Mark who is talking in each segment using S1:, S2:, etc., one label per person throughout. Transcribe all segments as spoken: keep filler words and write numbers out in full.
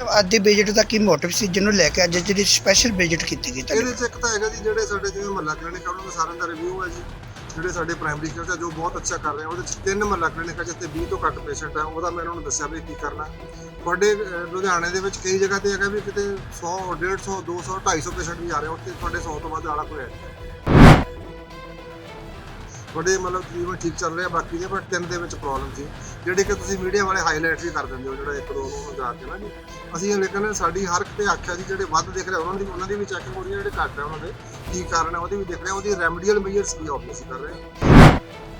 S1: ਅੱਜ ਦੇ ਵਿਜ਼ਿਟ ਦਾ ਕੀ ਮੋਟਿਵ ਸੀ ਜਿਹਨੂੰ ਲੈ ਕੇ ਅੱਜ ਜਿਹੜੀ ਸਪੈਸ਼ਲ ਵਿਜ਼ਿਟ ਕੀਤੀ ਗਈ?
S2: ਇਹਦੇ 'ਚ ਇੱਕ ਤਾਂ ਹੈਗਾ ਜੀ ਜਿਹੜੇ ਸਾਡੇ ਜਿਵੇਂ ਮਹੱਲਾ ਕਲੀਨਿਕ ਆ ਉਹਨਾਂ ਦਾ ਸਾਰਿਆਂ ਦਾ ਰਿਵਿਊ ਹੈ ਜੀ। ਜਿਹੜੇ ਸਾਡੇ ਪ੍ਰਾਇਮਰੀ ਕੇਅਰ ਆ ਜੋ ਬਹੁਤ ਅੱਛਾ ਕਰ ਰਹੇ ਆ, ਉਹਦੇ 'ਚ ਤਿੰਨ ਮਹੱਲਾ ਕਲੀਨਿਕ ਆ ਜਿੱਥੇ ਵੀਹ ਤੋਂ ਘੱਟ ਪੇਸ਼ੈਂਟ ਆ। ਉਹਦਾ ਮੈਂ ਉਹਨਾਂ ਨੂੰ ਦੱਸਿਆ ਵੀ ਕੀ ਕਰਨਾ। ਤੁਹਾਡੇ ਲੁਧਿਆਣੇ ਦੇ ਵਿੱਚ ਕਈ ਜਗ੍ਹਾ ਤੇ ਹੈਗਾ ਵੀ ਕਿਤੇ ਸੌ ਡੇਢ ਸੌ ਦੋ ਸੌ ਢਾਈ ਸੌ ਪੇਸ਼ੈਂਟ ਵੀ ਆ ਰਹੇ, ਉੱਥੇ ਤੁਹਾਡੇ ਸੌ ਤੋਂ ਵੱਧ ਆਲਾ ਕੋਈ ਹੈ ਨਹੀਂ। ਤੁਹਾਡੇ ਮਤਲਬ ਤਕਰੀਬਨ ਠੀਕ ਚੱਲ ਰਿਹਾ, ਬਾਕੀ ਦੇ ਪਰ ਤਿੰਨ ਦੇ ਵਿੱਚ ਪ੍ਰੋਬਲਮ ਸੀ ਜਿਹੜੀ ਕਿ ਤੁਸੀਂ ਮੀਡੀਆ ਵਾਲੇ ਹਾਈਲਾਈਟ ਵੀ ਕਰ ਦਿੰਦੇ ਹੋ, ਜਿਹੜਾ ਇੱਕ ਦੋ ਨੂੰ ਜਾ ਕੇ ਨਾ ਜੀ। ਅਸੀਂ ਲੇਕਿਨ ਸਾਡੀ ਹਰ ਕਿਤੇ ਆਖਿਆ ਜੀ ਜਿਹੜੇ ਵੱਧ ਦਿਖ ਰਹੇ ਉਹਨਾਂ ਦੀ ਉਹਨਾਂ ਦੀ ਵੀ ਚੈਕਿੰਗ ਹੋ ਰਹੀ ਹੈ, ਜਿਹੜੇ ਘੱਟ ਹੈ ਉਹਨਾਂ ਦੇ ਕੀ ਕਾਰਨ ਹੈ ਉਹਦੀ ਵੀ ਦੇਖ ਰਹੇ, ਉਹਦੀ ਰੈਮਡੀਅਲ ਮੇਜਰਸ ਕੀ ਆਬਵੀਅਸਲੀ ਕਰ ਰਹੇ ਹਾਂ।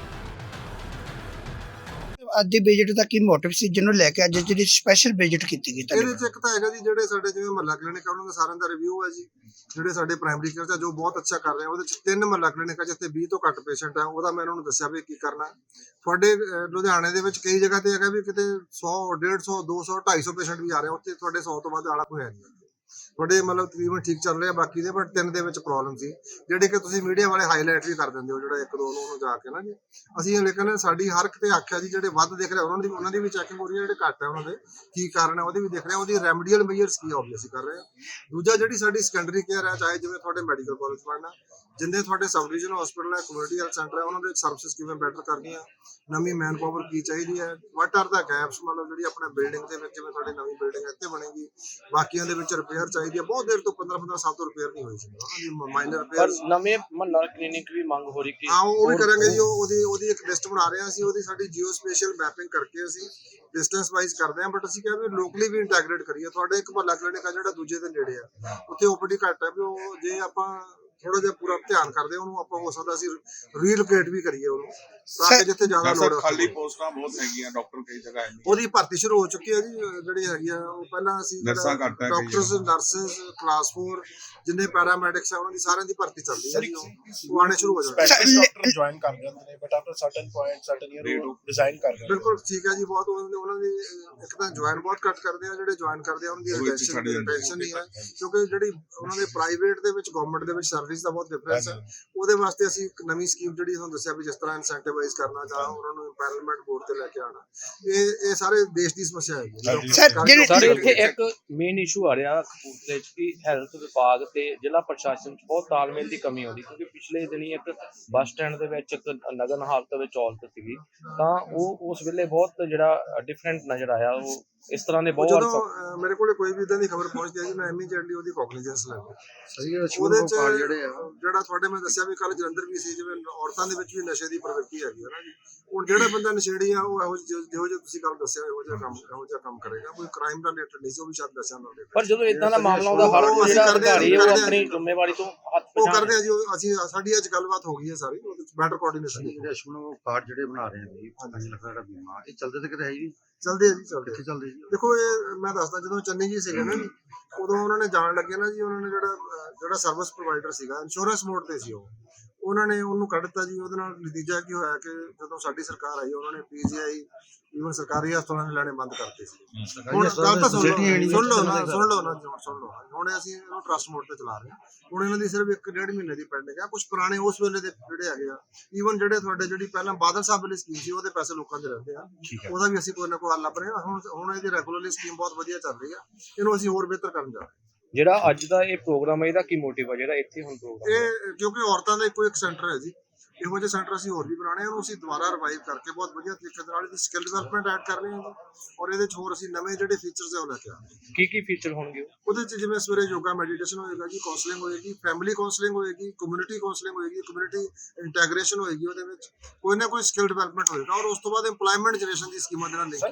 S1: ਅੱਜ ਦੇ ਵਿਜ਼ਿਟ ਦਾ ਕੀ ਮੋਟਿਵ ਸੀ ਜਿਹਨੂੰ ਲੈ ਕੇ ਅੱਜ ਜਿਹੜੀ ਸਪੈਸ਼ਲ ਵਿਜ਼ਿਟ ਕੀਤੀ ਗਈ?
S2: ਇਹਦੇ 'ਚ ਇੱਕ ਤਾਂ ਹੈਗਾ ਜੀ ਜਿਹੜੇ ਸਾਡੇ ਜਿਵੇਂ ਮਹੱਲਾ ਕਲੀਨਿਕ ਆ ਉਹਨਾਂ ਦਾ ਸਾਰਿਆਂ ਦਾ ਰਿਵਿਊ ਹੈ ਜੀ। ਜਿਹੜੇ ਸਾਡੇ ਪ੍ਰਾਇਮਰੀ ਕੇਅਰ ਆ ਜੋ ਬਹੁਤ ਅੱਛਾ ਕਰ ਰਹੇ ਆ, ਉਹਦੇ 'ਚ ਤਿੰਨ ਮਹੱਲਾ ਕਲੀਨਿਕ ਆ ਜਿੱਥੇ ਵੀਹ ਤੋਂ ਘੱਟ ਪੇਸ਼ੈਂਟ ਆ। ਉਹਦਾ ਮੈਂ ਉਹਨਾਂ ਨੂੰ ਦੱਸਿਆ ਵੀ ਕੀ ਕਰਨਾ। ਤੁਹਾਡੇ ਲੁਧਿਆਣੇ ਦੇ ਵਿੱਚ ਕਈ ਜਗ੍ਹਾ ਤੇ ਹੈਗਾ ਵੀ ਕਿਤੇ ਸੌ ਡੇਢ ਸੌ ਦੋ ਸੌ ਢਾਈ ਸੌ ਪੇਸ਼ੈਂਟ ਵੀ ਆ ਰਹੇ, ਉੱਥੇ ਤੁਹਾਡੇ ਸੌ ਤੋਂ ਵੱਧ ਆਲਾ ਕੋਈ ਹੈ ਨਹੀਂ। ਤੁਹਾਡੇ ਮਤਲਬ ਤਕਰੀਬਨ ਠੀਕ ਚੱਲ ਰਿਹਾ, ਬਾਕੀ ਦੇ ਪਰ ਤਿੰਨ ਦੇ ਵਿੱਚ ਪ੍ਰੋਬਲਮ ਸੀ ਜਿਹੜੇ ਕਿ ਤੁਸੀਂ ਮੀਡੀਆ ਵਾਲੇ ਹਾਈਲਾਈਟ ਵੀ ਕਰ ਦਿੰਦੇ ਹੋ, ਜਿਹੜਾ ਇੱਕ ਦੋ ਨੂੰ ਜਾ ਕੇ ਨਾ ਜੀ। ਅਸੀਂ ਲੇਕਿਨ ਸਾਡੀ ਹਰ ਕਿਤੇ ਆਖਿਆ ਜੀ ਜਿਹੜੇ ਵੱਧ ਦਿਖ ਰਹੇ ਉਹਨਾਂ ਦੀ ਉਹਨਾਂ ਦੀ ਵੀ ਚੈਕਿੰਗ ਹੋ ਰਹੀ ਹੈ, ਜਿਹੜੇ ਘੱਟ ਹੈ ਉਹਨਾਂ ਦੇ ਕੀ ਕਾਰਨ ਹੈ ਉਹਦੀ ਵੀ ਦੇਖ ਰਹੇ, ਉਹਦੀ ਰੈਮਡੀਅਲ ਮੇਜਰਸ ਕੀ ਆਬਵੀਅਸਲੀ ਕਰ ਰਹੇ ਆ। ਦੂਜਾ ਜਿਹੜੀ ਸਾਡੀ ਸੈਕੰਡਰੀ ਕੇਅਰ ਹੈ, ਚਾਹੇ ਜਿਵੇਂ ਤੁਹਾਡੇ ਮੈਡੀਕਲ ਕਾਲਜ ਪੜ੍ਹਨਾ, ਜਿੰਨੇ ਤੁਹਾਡੇ ਸਬ ਡਿਵੀਜ਼ਨ ਹਸਪੀਟਲ ਹੈ, ਕਮਿਊਨਿਟੀ ਹੈਲਥ ਸੈਂਟਰ ਹੈ, ਉਹਨਾਂ ਦੇ ਸਰਵਿਸਿਜ਼ ਕਿਵੇਂ ਬੈਟਰ ਕਰਨੀਆਂ, ਨਵੀਂ ਮੈਨ ਪਾਵਰ ਕੀ ਚਾਹੀਦੀ ਹੈ, ਵਾਟ ਆਰ ਦਾ ਗੈਪਸ, ਮਤਲਬ ਜਿਹੜੀ ਆਪਣੇ ਬਿਲਡਿੰਗ ਦੇ ਵਿੱਚ ਜਿਵੇਂ ਤੁਹਾਡੀ ਨਵੀਂ ਬਿਲਡਿੰਗ ਇੱਥੇ ਬਣੇਗੀ, ਬਾਕੀਆਂ ਦੇ ਵਿੱਚ ਰਿਪੇਅਰ ਚਾਹੀਦੀ ਹੈ। ਬਹੁਤ ਦੇਰ ਤੋਂ ਪੰਦਰਾਂ ਪੰਦਰਾਂ ਸਾਲ ਤੋਂ ਰਿਪੇਅਰ ਨਹੀਂ ਹੋਈ ਸੀ ਉਹਨਾਂ ਦੀ ਮਾਈਨਰ ਰਿਪੇਅਰ।
S3: ਨਵੇਂ ਮਹੱਲਾ ਕਲੀਨਿਕ ਵੀ ਮੰਗ ਹੋ ਰਹੀ ਕਿ
S2: ਹਾਂ ਉਹ ਵੀ ਕਰਾਂਗੇ ਜੀ। ਉਹਦੀ ਉਹਦੀ ਇੱਕ ਲਿਸਟ ਬਣਾ ਰਹੇ ਹਾਂ ਅਸੀਂ, ਉਹਦੀ ਸਾਡੀ ਜੀਓ ਸਪੇਸ਼ਲ ਮੈਪਿੰਗ ਕਰਕੇ ਅਸੀਂ ਡਿਸਟੈਂਸ ਵਾਈਜ਼ ਕਰਦੇ ਹਾਂ, ਬਟ ਅਸੀਂ ਕਿਹਾ ਵੀ ਲੋਕਲੀ ਵੀ ਇੰਟੈਗਰੇਟ ਕਰੀਏ। ਤੁਹਾਡੇ ਇੱਕ ਮਹੱਲਾ ਕਲੀਨਿਕ ਆ ਜਿਹੜਾ ਦੂਜੇ ਦੇ ਨੇੜੇ ਆ, ਉੱਥੇ ਓਪੀਡੀ ਘੱਟ ਹੈ, ਵੀ ਉਹ ਜੇ ਆਪਾਂ ਥੋੜਾ ਜਿਹਾ ਪੂਰਾ ਧਿਆਨ ਕਰਦੇ ਉਹਨੂੰ ਆਪਾਂ ਹੋ ਸਕਦਾ ਅਸੀਂ ਰੀਲੋਕੇਟ ਵੀ ਕਰੀਏ ਉਹਨੂੰ, ਤਾਂ ਕਿ ਜਿੱਥੇ ਜ਼ਿਆਦਾ ਲੋੜ ਹੈ।
S4: ਖਾਲੀ ਪੋਸਟਾਂ ਬਹੁਤ ਹੈਗੀਆਂ, ਡਾਕਟਰ ਕਈ ਜਗ੍ਹਾ ਹੈ ਨਹੀਂ।
S2: ਉਹਦੀ ਭਰਤੀ ਸ਼ੁਰੂ ਹੋ ਚੁੱਕੀ ਹੈ ਜੀ। ਜਿਹੜੀ ਹੈਗੀ ਆ ਉਹ ਪਹਿਲਾਂ ਅਸੀਂ ਡਾਕਟਰਸ ਨਰਸਿਸ ਕਲਾਸ ਫੋਰ ਜਿੰਨੇ ਪੈਰਾਮੈਡਿਕਸ ਆ ਉਹਨਾਂ ਦੀ ਸਾਰਿਆਂ ਦੀ ਭਰਤੀ ਚੱਲਦੀ ਹੈ ਜੀ, ਉਹ ਆਣੇ ਸ਼ੁਰੂ ਹੋ ਜਾਣਗੇ।
S5: ਡਾਕਟਰ ਜੁਆਇਨ ਕਰ ਜਾਂਦੇ ਨੇ but after certain point certain year resign ਕਰ ਜਾਂਦੇ।
S2: ਬਿਲਕੁਲ ਠੀਕ ਹੈ ਜੀ। ਬਹੁਤ ਉਹਨਾਂ ਦੀ ਇੱਕ ਤਾਂ ਜੁਆਇਨ ਬਹੁਤ ਘੱਟ ਕਰਦੇ ਆ, ਜਿਹੜੇ ਜੁਆਇਨ ਕਰਦੇ ਆ ਉਹਨਾਂ ਦੀ ਰਿਟੈਂਸ਼ਨ ਨਹੀਂ ਹੈ, ਕਿਉਂਕਿ ਜਿਹੜੀ ਉਹਨਾਂ ਦੇ ਪ੍ਰਾਈਵੇਟ ਦੇ ਵਿੱਚ ਗਵਰਨਮੈਂਟ ਦੇ ਵਿੱਚ ਸਰਵਿਸ ਦਾ ਬਹੁਤ ਡਿਫਰੈਂਸ ਹੈ। ਉਹਦੇ ਵਾਸਤੇ ਅਸੀਂ ਇੱਕ ਨਵੀਂ ਸਕੀਮ ਜਿਹੜੀ ਤੁਹਾਨੂੰ ਦੱਸਿਆ ਵੀ ਜਿਸ ਤਰ੍ਹਾਂ ਇਨਸੈਂਟੀਵਾਈਜ਼ ਕਰਨਾ ਜਾਂ ਉਹਨਾਂ ਨੂੰ ਇੰਪੈਨਲਮੈਂਟ ਬੋਰਡ ਤੇ ਲੈ ਕੇ ਆਉਣਾ, ਇਹ ਇਹ ਸਾਰੇ ਦੇਸ਼ ਦੀ ਸਮੱਸਿਆ ਹੈ।
S3: ਸਾਡੇ ਇੱਥੇ ਇੱਕ ਮੇਨ ਇਸ਼ੂ ਆ ਰਿਹਾ ਕਪੂਰਥਲੇ ਚ ਕਿ ਹੈਲਥ ਵਿਭਾਗ ਤੇ ਜ਼ਿਲ੍ਹਾ ਪ੍ਰਸ਼ਾਸਨ ਚ ਬਹੁਤ ਤਾਲਮੇਲ ਦੀ ਕਮੀ ਆਉਂਦੀ, ਕਿਉਂਕਿ ਪਿਛਲੇ ਦਿਨੀ ਇੱਕ ਬੱਸ ਸਟੈਂਡ ਦੇ ਵਿੱਚ ਇੱਕ ਨਗਨ ਹਾਲਤ ਵਿੱਚ ਔਰਤ ਸੀਗੀ, ਤਾਂ ਉਹ ਉਸ ਵੇਲੇ ਬਹੁਤ ਜਿਹੜਾ ਡਿਫਰੈਂਟ ਨਜ਼ਰ ਆਇਆ। ਉਹ ਇਸ ਤਰ੍ਹਾਂ ਦੇ ਬਹੁਤ
S2: ਜਦੋਂ ਮੇਰੇ ਕੋਲ ਕੋਈ ਵੀ ਇਦਾਂ ਦੀ ਖਬਰ ਪਹੁੰਚਦੀ ਹੈ ਜੀ, ਮੈਂ ਇਮੀਡੀਏਟਲੀ ਉਹਦੀ ਕੋਗਨੀਜੈਂਸ ਲੈਂਦਾ। ਉਹਦੇ ਚ ਜਿਹੜਾ ਤੁਹਾਡੇ ਮੈਂ ਦੱਸਿਆ ਵੀ ਕੱਲ ਜਲੰਧਰ ਵੀ ਸੀ, ਜਿਵੇਂ ਔਰਤਾਂ ਦੇ ਵਿੱਚ ਵੀ ਨਸ਼ੇ ਦੀ ਪ੍ਰਵਿਰਤੀ ਹੈਗੀ ਹੈ ਨਾ ਜੀ। ਹੁਣ ਜਿਹੜਾ ਬੰਦਾ ਨਸ਼ੇੜੀ ਆ ਉਹ ਇਹੋ ਜਿਹੋ ਜਿਹਾ ਤੁਸੀਂ ਕੱਲ ਦੱਸਿਆ ਇਹੋ ਜਿਹਾ ਕੰਮ ਇਹੋ ਜਿਹਾ ਕੰਮ ਕਰੇਗਾ, ਕੋਈ ਕ੍ਰਾਈਮ ਦਾ ਰਿਲੇਟਡ ਨਹੀਂ ਸੀ, ਉਹ ਵੀ ਸ਼ਾਇਦ ਨਸ਼ਾ ਨਾਲ।
S3: ਪਰ ਜਦੋਂ ਇਦਾਂ ਦਾ ਮਾਮਲਾ ਆਉਂਦਾ ਹਰ ਕੋਈ ਜਿਹੜਾ ਅਧਿਕਾਰੀ ਹੈ ਉਹ ਆਪਣੀ ਜ਼ਿੰਮੇਵਾਰੀ ਤੋਂ ਹੱਥ
S2: ਉਹ ਕਰਦੇ ਆ ਜੀ। ਅਸੀਂ ਸਾਡੀ ਅੱਜ ਗੱਲਬਾਤ ਹੋ ਗਈ ਹੈ ਸਾਰੀ, ਉਹਦੇ ਚ ਬੈਟਰ ਕੋਆਰਡੀਨੇਸ਼ਨ।
S6: ਜਿਹੜੇ ਅਸ਼ਮਨ ਕਾਰਡ ਜਿਹੜੇ ਬਣਾ ਰਹੇ ਨੇ ਪੰਜ ਲੱਖ ਦਾ ਬੀਮਾ, ਇਹ ਚੱਲਦੇ ਤੇ ਕਿਤੇ ਹੈ ਜੀ?
S2: ਚੱਲਦੇ ਆ ਜੀ, ਚੱਲਦੇ
S6: ਕਿੱਥੇ ਚੱਲਦੇ ਜੀ?
S2: ਦੇਖੋ ਇਹ ਮੈਂ ਦੱਸਦਾ, ਜਦੋਂ ਚੰਨੀ ਜੀ ਸੀਗੇ ਨਾ ਜੀ, ਉਦੋਂ ਉਹਨਾਂ ਨੇ ਜਾਣ ਲੱਗੇ ਨਾ ਜੀ, ਉਹਨਾਂ ਨੇ ਜਿਹੜਾ ਜਿਹੜਾ ਸਰਵਿਸ ਪ੍ਰੋਵਾਈਡਰ ਸੀਗਾ ਇੰਸ਼ੋਰੈਂਸ ਮੋਡ ਤੇ ਸੀ, ਉਹ ਉਹਨਾਂ ਨੇ ਉਹਨੂੰ ਕੱਢ ਦਿੱਤਾ ਜੀ। ਉਹਦੇ ਨਾਲ ਨਤੀਜਾ ਕੀ ਹੋਇਆ ਕਿ ਜਦੋਂ ਸਾਡੀ ਸਰਕਾਰ ਆਈ ਉਹਨਾਂ ਨੇ ਪੀਜੀਆਈ ਈਵਨ ਸਰਕਾਰੀ ਹਸਪਤਾਲਾਂ ਨੇ ਲੈਣੇ ਬੰਦ ਕਰਤੇ ਸੀ। ਹੁਣ ਗੱਲ ਤਾਂ ਸੁਣ ਲਓ ਸੁਣ ਲਓ ਨਾ ਸੁਣ ਲਓ ਨਾ ਸੁਣ ਲਓ ਹੁਣ ਅਸੀਂ ਇਹਨੂੰ ਟਰਸਟ ਮੋਡ ਤੇ ਚਲਾ ਰਹੇ ਹਾਂ। ਹੁਣ ਇਹਨਾਂ ਦੀ ਸਿਰਫ ਇੱਕ ਡੇਢ ਮਹੀਨੇ ਦੀ ਪੈਂਡਿੰਗ ਹੈ। ਕੁਝ ਪੁਰਾਣੇ ਉਸ ਵੇਲੇ ਦੇ ਜਿਹੜੇ ਹੈਗੇ ਆ, ਈਵਨ ਜਿਹੜੇ ਤੁਹਾਡੇ ਜਿਹੜੀ ਪਹਿਲਾਂ ਬਾਦਲ ਸਾਹਿਬ ਵਾਲੀ ਸਕੀਮ ਸੀ, ਉਹਦੇ ਪੈਸੇ ਲੋਕਾਂ ਦੇ ਰਹਿੰਦੇ ਆ, ਉਹਦਾ ਵੀ ਅਸੀਂ ਕੋਈ ਨਾ ਕੋਈ ਹੱਲ ਲੱਭ ਰਹੇ ਹਾਂ। ਹੁਣ ਹੁਣ ਇਹਦੀ ਰੈਗੂਲਰਲੀ ਸਕੀਮ ਬਹੁਤ ਵਧੀਆ ਚੱਲ ਰਹੀ ਆ, ਇਹਨੂੰ ਅਸੀਂ ਹੋਰ ਬਿਹਤਰ ਕਰਨ ਜਾ ਰਹੇ ਹਾਂ।
S3: ਜਿਹੜਾ ਅੱਜ ਦਾ ਇਹ ਪ੍ਰੋਗਰਾਮ ਹੈ, ਇਹਦਾ ਕੀ ਮੋਟਿਵ ਹੈ ਜਿਹੜਾ ਇੱਥੇ ਹੁਣ ਪ੍ਰੋਗਰਾਮ?
S2: ਇਹ ਕਿਉਂਕਿ ਔਰਤਾਂ ਦਾ ਇੱਕੋ ਇੱਕ ਸੈਂਟਰ ਹੈ ਜੀ, ਇਹੋ ਜਿਹੇ ਸੈਂਟਰ ਅਸੀਂ ਹੋਰ ਵੀ ਬਣਾਉਣੇ, ਉਹਨੂੰ ਅਸੀਂ ਦੁਬਾਰਾ ਰਿਵਾਈਵ ਕਰਕੇ ਬਹੁਤ ਵਧੀਆ ਤਰੀਕੇ ਨਾਲ ਇਹਦੀ ਸਕਿੱਲ ਡਿਵੈਲਪਮੈਂਟ ਐਡ ਕਰ ਰਹੇ ਹਾਂ ਜੀ। ਔਰ ਇਹਦੇ 'ਚ ਹੋਰ ਅਸੀਂ ਨਵੇਂ ਜਿਹੜੇ ਫੀਚਰਸ ਹੈ ਉਹ ਲੈ ਕੇ ਆਵਾਂਗੇ।
S3: ਕੀ ਕੀ ਫੀਚਰ ਹੋਣਗੇ
S2: ਉਹਦੇ 'ਚ? ਜਿਵੇਂ ਸਵੇਰੇ ਯੋਗਾ ਮੈਡੀਟੇਸ਼ਨ ਹੋਏਗਾ ਜੀ, ਕਾਉਂਸਲਿੰਗ ਹੋਏਗੀ, ਫੈਮਿਲੀ ਕਾਉਂਸਲਿੰਗ ਹੋਏਗੀ, ਕਮਿਊਨਿਟੀ ਕਾਉਂਸਲਿੰਗ ਹੋਏਗੀ, ਕਮਿਊਨਿਟੀ ਇੰਟੈਗ੍ਰੇਸ਼ਨ ਹੋਏਗੀ, ਉਹਦੇ ਵਿੱਚ ਕੋਈ ਨਾ ਕੋਈ ਸਕਿੱਲ ਡਿਵੈਲਪਮੈਂਟ ਹੋਏਗਾ। ਔਰ ਉਸ ਤੋਂ ਬਾਅਦ ਇੰਪਲੋਇਮੈਂਟ ਜਨਰੇਸ਼ਨ ਦੀ ਸਕੀਮਾਂ ਦੇ ਨਾਲ link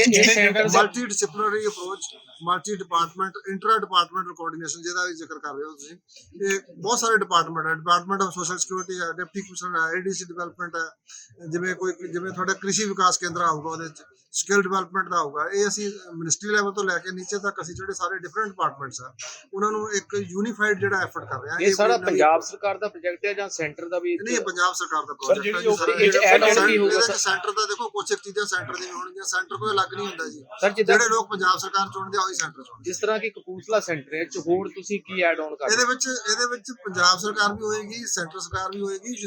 S2: multi disciplinary approach, multi department inter departmental coordination, ਜਿਹਦਾ ਵੀ ਜ਼ਿਕਰ ਕਰ ਰਹੇ ਹੋ ਤੁਸੀਂ। ਇਹ ਬਹੁਤ ਸਾਰੇ ਡਿਪਾਰਟਮੈਂਟ ਹੈ, ਡਿਪਾਰਟਮੈਂਟ ਆਫ ਸੋਸ਼ਲ ਸਿਕਿਉਰਿਟੀ ਹੈ, ਡਿਪਟੀ ਕਮਿਸ਼ਨਰ ਹੈ, ਏਡੀਸੀ ਡਿਵੈਲਪਮੈਂਟ ਹੈ, ਜਿਵੇਂ ਕੋਈ ਜਿਵੇਂ ਤੁਹਾਡਾ ਕ੍ਰਿਸ਼ੀ ਵਿਕਾਸ ਕੇਂਦਰ ਆਊਗਾ, ਉਹਦੇ ਚ ਸਕਿੱਲ ਡਿਵੈਲਪਮੈਂਟ ਦਾ ਆਊਗਾ। ਇਹ ਅਸੀਂ ਮਿਨਿਸਟਰੀ ਲੈਵਲ ਤੋਂ ਲੈ ਕੇ ਨੀਚੇ ਤੱਕ ਅਸੀਂ ਜਿਹੜੇ ਸਾਰੇ ਡਿਫਰੈਂਟ ਡਿਪਾਰਟਮੈਂਟਸ ਆ ਉਹਨਾਂ ਨੂੰ ਇੱਕ ਯੂਨੀਫਾਈਡ ਜਿਹੜਾ ਐਫਰਟ ਕਰ ਰਹੇ ਹਾਂ।
S3: ਇਹ ਸਾਰਾ ਪੰਜਾਬ ਸਰਕਾਰ ਦਾ ਪ੍ਰੋਜੈਕਟ ਹੈ ਜਾਂ ਸੈਂਟਰ ਦਾ ਵੀ?
S2: ਨਹੀਂ, ਪੰਜਾਬ ਸਰਕਾਰ ਦਾ ਪ੍ਰੋਜੈਕਟ ਹੈ। ਸੈਂਟਰ ਦਾ ਦੇਖੋ ਕੁਝ ਇੱਕ ਚੀਜ਼ਾਂ ਸੈਂਟਰ ਦੀਆਂ ਹੋਣਗੀਆਂ, ਸੈਂਟਰ ਕੋਈ ਅਲੱਗ ਨਹੀਂ ਹੁੰਦਾ ਜੀ। ਜਿਹੜੇ ਲੋਕ ਪੰਜਾਬ ਸਰਕਾਰ ਚੁਣਦੇ ਆ ਉਹੀ ਸੈਂਟਰ ਚੁਣਦੇ।
S3: ਜਿਸ ਤਰ੍ਹਾਂ ਕਿ ਕਪੂਰਥਲਾ ਸੈਂਟਰ ਹੈ, ਹੋਰ ਤੁਸੀਂ ਕੀ ਐਡ ਆਨ ਕਰ?
S2: ਇਹਦੇ ਵਿੱਚ ਇਹਦੇ ਵਿੱਚ ਪੰਜਾਬ ਸਰਕਾਰ ਵੀ ਹੋਏਗੀ, ਸੈਂਟਰ ਸਰਕਾਰ ਵੀ ਹੋਏਗੀ, ਯੂਨਾਈਟਿਡ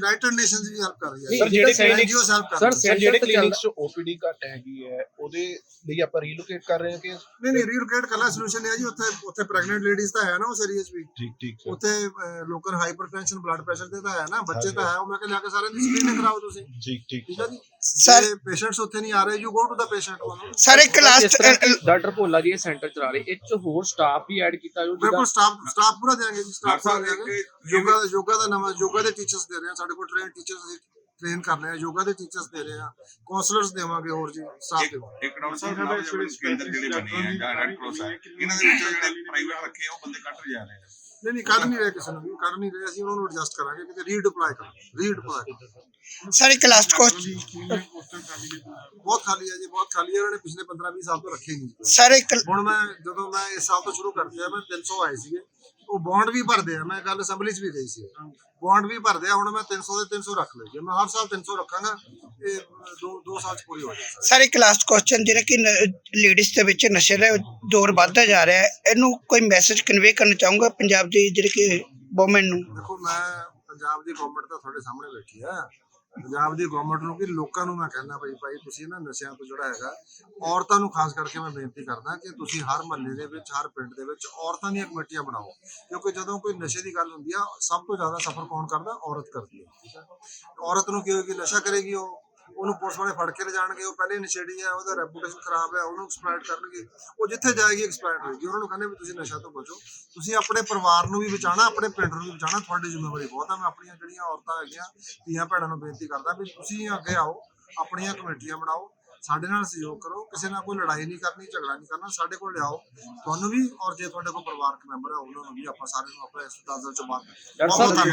S2: ਆਰਗੇਨਾਈਜੇਸ਼ਨ ਵੀ ਹੈਲਪ ਕਰ ਰਹੀ ਹੈ
S5: ਸਰ, ਜਿਹੜੇ clinics-
S2: ਐਨਜੀਓਜ਼ ਹੈਲਪ ਕਰ
S3: ਸਰ,
S2: ਰਹੀਆਂ
S5: ਸਰ ਜਿਹੜੇ
S3: center ਤੇ
S5: ਕਲੀਨਿਕਸ 'ਚ ਓਪੀਡੀ ਘੱਟ ਹੈਗੀ ਹੈ ਉਹਦੇ ਲਈ ਆਪਾਂ ਰੀਲੋਕੇਟ ਕਰ ਰਹੇ ਹਾਂ ਕਿ
S2: ਨਹੀਂ ਨਹੀਂ ਰੀਲੋਕੇਟ ਕਰਨਾ ਸੋਲੂਸ਼ਨ ਹੈ ਜੀ। ਉੱਥੇ ਉੱਥੇ ਪ੍ਰੈਗਨੈਂਟ ਲੇਡੀਜ਼ ਤਾਂ ਹੈ ਨਾ ਉਸ ਏਰੀਆ 'ਚ ਵੀ,
S5: ਠੀਕ ਠੀਕ ਸਰ
S2: ਉੱਥੇ ਅਹ, ਲੋਕਾਂ ਨੂੰ ਹਾਈਪਰਟੈਂਸ਼ਨ ਬਲੱਡ ਪ੍ਰੈਸ਼ਰ ਤੇ ਤਾਂ ਹੈ ਨਾ, ਬੱਚੇ ਤਾਂ ਹੈ, ਉਹ ਮੈਂ ਕਿਹਾ ਲਿਆ ਕੇ ਸਾਰਿਆਂ ਦੀ ਸਕਰੀਨਿੰਗ ਕਰਾਓ ਤੁਸੀਂ,
S5: ਠੀਕ ਠੀਕ
S2: ਠੀਕ ਹੈ ਜੀ।
S1: ਸਰ
S2: ਜੇ ਪੇਸ਼ੈਂਟਸ ਉੱਥੇ ਨਹੀਂ ਆ ਰਹੇ, you go to the patient.
S1: Sir ਇੱਕ
S3: ਜਿਸ
S1: ਲਾਸਟ
S3: ਤਰ੍ਹਾਂ ਕਿ ਡਾਕਟਰ ਭੋਲਾ ਜੀ ਇਹ ਸੈਂਟਰ ਚਲਾ ਰਹੇ, ਇਹ 'ਚ ਹੋਰ ਸਟਾਫ ਵੀ ਐਡ ਕੀਤਾ ਜੋ
S2: ਬਿਲਕੁਲ ਸਟਾਫ ਸਟਾਫ ਪੂਰਾ ਦੇਾਂਗੇ ਜੀ, ਸਟਾਫ
S4: ਡਾਕਟਰ
S2: ਪੂਰਾ
S4: ਸਾਹਿਬ
S2: ਦੇਾਂਗੇ।
S4: ਇੱਕ
S2: ਯੋਗਾ ਯੋਗਾ ਦਾ ਨਵਾਂ ਯੋਗਾ ਦੇ ਟੀਚਰਸ ਦੇ ਰਹੇ ਹਾਂ, ਸਾਡੇ ਕੋਲ ਟ੍ਰੇਨ ਟੀਚਰਸ ਅਸੀਂ ਟ੍ਰੇਨ ਕਰ ਰਹੇ ਹਾਂ, ਯੋਗਾ ਦੇ ਟੀਚਰਸ ਦੇ ਰਹੇ ਹਾਂ, ਕਾਉਂਸਲਰਸ ਦੇਵਾਂਗੇ, ਹੋਰ ਜੀ ਸਟਾਫ ਦੇਵਾਂਗੇ।
S4: ਇੱਕ ਡਾਕਟਰ ਸਾਹਿਬ ਨਵੇਂ ਜਿਹੜੇ ਕੇਂਦਰ ਜਿਹੜੇ ਬਣੇ ਆ ਜਾਂ ਰੈਡ ਕ੍ਰਾਸ ਆ, ਇਹਨਾਂ ਦੇ ਵਿੱਚੋਂ ਜਿਹੜੇ ਪ੍ਰਾਈਵੇਟ ਰੱਖੇ ਆ ਉਹ ਬੰਦੇ ਕੱਟ ਜਾ ਰਹੇ ਆ।
S2: ਨਹੀਂ ਨਹੀਂ ਕੱਢ ਨਹੀਂ ਰਹੇ ਕਿਸੇ ਨੂੰ ਵੀ, ਕੱਢ ਨਹੀਂ ਰਹੇ, ਅਸੀਂ ਉਹਨਾਂ ਨੂੰ ਐਡਜਸਟ ਕਰਾਂਗੇ, ਕਿਤੇ ਰੀਡਿਪਲਾਈ ਕਰਾਂਗੇ, ਰੀਡਿਪਲਾਈ
S1: ਸਰ ਇੱਕ ਲਾਸਟ ਕੁਐਸਚਨ
S2: ਬਹੁਤ ਖਾਲੀ ਹੈ ਜੀ, ਬਹੁਤ ਖਾਲੀ ਹੈ। ਉਹਨਾਂ ਨੇ ਪਿਛਲੇ ਪੰਦਰਾਂ ਵੀਹ ਸਾਲ ਤੋਂ ਰੱਖੇ ਹੀ ਨਹੀਂ।
S1: ਸਰ ਇੱਕ
S2: ਹੁਣ ਮੈਂ ਜਦੋਂ ਮੈਂ ਇਸ ਸਾਲ ਤੋਂ ਸ਼ੁਰੂ ਕਰਤੀ ਆ, ਮੈਂ ਤਿੰਨ ਸੌ ਆਏ ਸੀਗੇ, ਉਹ ਬੌਂਡ ਵੀ ਭਰਦੇ ਆ, ਮੈਂ ਗੱਲ ਅਸੈਂਬਲੀ 'ਚ ਵੀ ਗਈ ਸੀ, ਬੌਂਡ ਵੀ ਭਰਦੇ ਆ, ਹੁਣ ਮੈਂ ਤਿੰਨ ਸੌ ਦੇ ਤਿੰਨ ਸੌ ਰੱਖ ਲਏ ਜੀ, ਮੈਂ ਹਰ ਸਾਲ ਤਿੰਨ ਸੌ ਰੱਖਾਂਗਾ, ਇਹ ਦੋ ਦੋ ਸਾਲ 'ਚ ਪੂਰੀ ਹੋ ਜਾਏਗੀ।
S1: ਸਰ ਇੱਕ ਲਾਸਟ ਕੁਐਸਚਨ, ਜਿਹੜਾ ਕਿ ਲੇਡੀਜ਼ ਦੇ ਵਿੱਚ ਨਸ਼ੇ ਦਾ ਦੌਰ ਵੱਧਦਾ ਜਾ ਰਿਹਾ ਹੈ, ਇਹਨੂੰ ਕੋਈ ਮੈਸੇਜ ਕਨਵੇ ਕਰਨਾ ਚਾਹੂੰਗਾ ਪੰਜਾਬ ਦੀ ਜਿਹੜੇ ਕਿ ਵੂਮਨ ਨੂੰ?
S2: ਦੇਖੋ ਮੈਂ ਪੰਜਾਬ ਦੀ ਗਵਰਨਮੈਂਟ ਤਾਂ ਤੁਹਾਡੇ ਸਾਹਮਣੇ ਬੈਠੀ ਆ, ਪੰਜਾਬ ਦੀ ਗਵਰਨਮੈਂਟ ਨੂੰ ਕਿ ਲੋਕਾਂ ਨੂੰ ਮੈਂ ਕਹਿੰਦਾ ਭਾਈ ਭਾਈ ਤੁਸੀਂ ਨਾ ਨਸ਼ਿਆਂ ਤੋਂ ਜਿਹੜਾ ਹੈਗਾ, ਔਰਤਾਂ ਨੂੰ ਖਾਸ ਕਰਕੇ ਮੈਂ ਬੇਨਤੀ ਕਰਦਾ ਕਿ ਤੁਸੀਂ ਹਰ ਮਹੱਲੇ ਦੇ ਵਿੱਚ, ਹਰ ਪਿੰਡ ਦੇ ਵਿੱਚ ਔਰਤਾਂ ਦੀਆਂ ਕਮੇਟੀਆਂ ਬਣਾਓ, ਕਿਉਂਕਿ ਜਦੋਂ ਕੋਈ ਨਸ਼ੇ ਦੀ ਗੱਲ ਹੁੰਦੀ ਆ, ਸਭ ਤੋਂ ਜ਼ਿਆਦਾ ਸਫਰ ਕੌਣ ਕਰਦਾ? ਔਰਤ ਕਰਦੀ ਹੈ, ਠੀਕ ਹੈ। ਔਰਤ ਨੂੰ ਕੀ ਹੋਏਗੀ, ਨਸ਼ਾ ਕਰੇਗੀ, ਉਹ ਉਹਨੂੰ ਪੁਲਿਸ ਵਾਲੇ ਫੜ ਕੇ ਲੈ ਜਾਣਗੇ, ਉਹ ਪਹਿਲੇ ਨਸ਼ੇੜੀ ਹੈ, ਉਹਦਾ ਰੈਪੂਟੇਸ਼ਨ ਖਰਾਬ ਹੈ, ਉਹਨੂੰ ਐਕਸਪਲੋਇਟ ਕਰਨਗੇ, ਉਹ ਜਿੱਥੇ ਜਾਏਗੀ ਐਕਸਪਲੋਇਟ ਹੋਏਗੀ। ਉਹਨਾਂ ਨੂੰ ਕਹਿੰਦੇ ਵੀ ਤੁਸੀਂ ਨਸ਼ਾ ਤੋਂ ਬਚੋ, ਤੁਸੀਂ ਆਪਣੇ ਪਰਿਵਾਰ ਨੂੰ ਵੀ ਬਚਾਉਣਾ, ਆਪਣੇ ਪਿੰਡ ਨੂੰ ਵੀ ਬਚਾਉਣਾ, ਤੁਹਾਡੀ ਜ਼ਿੰਮੇਵਾਰੀ ਬਹੁਤ ਆ। ਮੈਂ ਆਪਣੀਆਂ ਜਿਹੜੀਆਂ ਔਰਤਾਂ ਹੈਗੀਆਂ, ਧੀਆਂ ਭੈਣਾਂ ਨੂੰ ਬੇਨਤੀ ਕਰਦਾ ਵੀ ਤੁਸੀਂ ਅੱਗੇ ਆਓ, ਆਪਣੀਆਂ ਕਮੇਟੀਆਂ ਬਣਾਓ, ਸਾਡੇ ਨਾਲ ਸਹਿਯੋਗ ਕਰੋ, ਕਿਸੇ ਨਾਲ ਕੋਈ ਲੜਾਈ ਨਹੀਂ ਕਰਨੀ, ਝਗੜਾ ਨਹੀਂ ਕਰਨਾ, ਸਾਡੇ ਕੋਲ ਲਿਆਓ ਤੁਹਾਨੂੰ ਵੀ, ਔਰ ਜੇ ਤੁਹਾਡੇ ਕੋਲ ਪਰਿਵਾਰਕ ਮੈਂਬਰ ਹੈ ਉਹਨਾਂ ਨੂੰ ਵੀ, ਆਪਾਂ ਸਾਰਿਆਂ ਨੂੰ ਆਪਣੇ ਇਸ ਦਾਦਰ ਚ ਬਾਤ
S3: ਡਾਕਟਰ ਸਾਹਿਬ